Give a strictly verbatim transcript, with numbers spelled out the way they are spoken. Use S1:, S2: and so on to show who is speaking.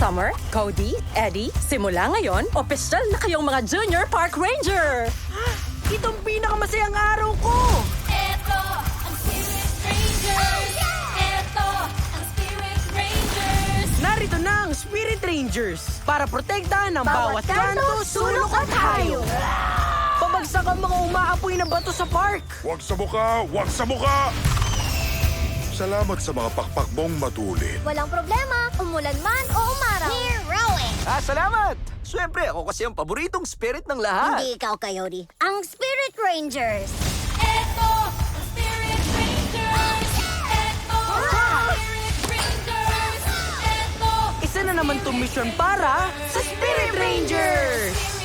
S1: Summer, Cody, Eddie, simula ngayon, opisyal na kayong mga Junior Park Ranger!
S2: Itong pinakamasayang araw ko!
S3: Eto ang Spirit Rangers! Eto ang Spirit Rangers!
S2: Narito na ang Spirit Rangers para protektahan ang bawat,
S3: Bawat
S2: kanto, sulok at hayop. Pabagsak ang mga umaapoy na bato sa park.
S4: Huwag sa muka! Huwag sa muka! Salamat sa mga pakpak mong matulin.
S3: Walang problema, umulan man o umaraw. Heroic!
S5: Ah, salamat! Siyempre, ako kasi ang paboritong spirit ng lahat.
S3: Hindi ikaw, Coyote. Ang Spirit Rangers! Eto ang Spirit Rangers! Eto ang Spirit Rangers! Eto
S2: Isa na naman itong mission para sa Spirit Rangers!